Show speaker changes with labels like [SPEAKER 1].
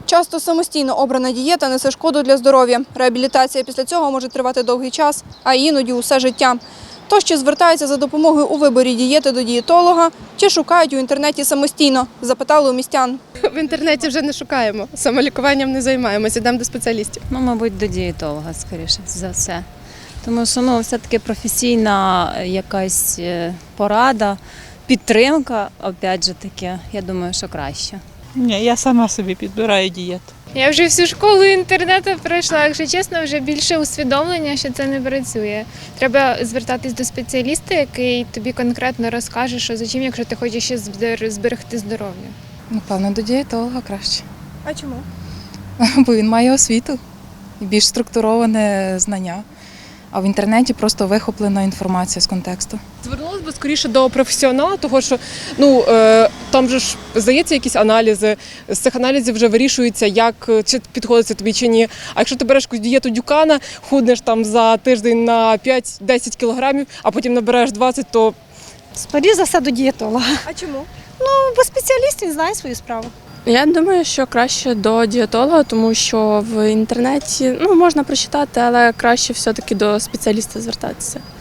[SPEAKER 1] Часто самостійно обрана дієта несе шкоду для здоров'я. Реабілітація після цього може тривати довгий час, а іноді усе життя. Тож чи звертаються за допомогою у виборі дієти до дієтолога, чи шукають у інтернеті самостійно, запитали у містян.
[SPEAKER 2] В інтернеті вже не шукаємо, самолікуванням не займаємося, йдемо до спеціалістів.
[SPEAKER 3] Мабуть, до дієтолога, скоріше за все. Тому що все-таки професійна якась порада, підтримка, опять же таки, я думаю, що краще.
[SPEAKER 4] Ні, я сама собі підбираю дієту.
[SPEAKER 5] Я вже всю школу інтернету пройшла, якщо чесно, вже більше усвідомлення, що це не працює. Треба звертатись до спеціаліста, який тобі конкретно розкаже, що за чим, якщо ти хочеш ще зберегти здоров'я.
[SPEAKER 6] Напевно, до дієтолога краще,
[SPEAKER 1] А чому?
[SPEAKER 6] бо він має освіту і більш структуроване знання. А в інтернеті просто вихоплена інформація з контексту.
[SPEAKER 2] Звернулася б скоріше до професіонала, тому що там же ж здається якісь аналізи, з цих аналізів вже вирішується, чи підходить це тобі чи ні. А якщо ти береш якусь дієту Дюкана, худнеш там за тиждень на 5-10 кілограмів, а потім набереш 20, то…
[SPEAKER 7] Скоріше за все до дієтолога.
[SPEAKER 1] А чому?
[SPEAKER 7] Бо спеціаліст, він знає свою справу.
[SPEAKER 8] Я думаю, що краще до дієтолога, тому що в інтернеті можна прочитати, але краще все-таки до спеціаліста звертатися.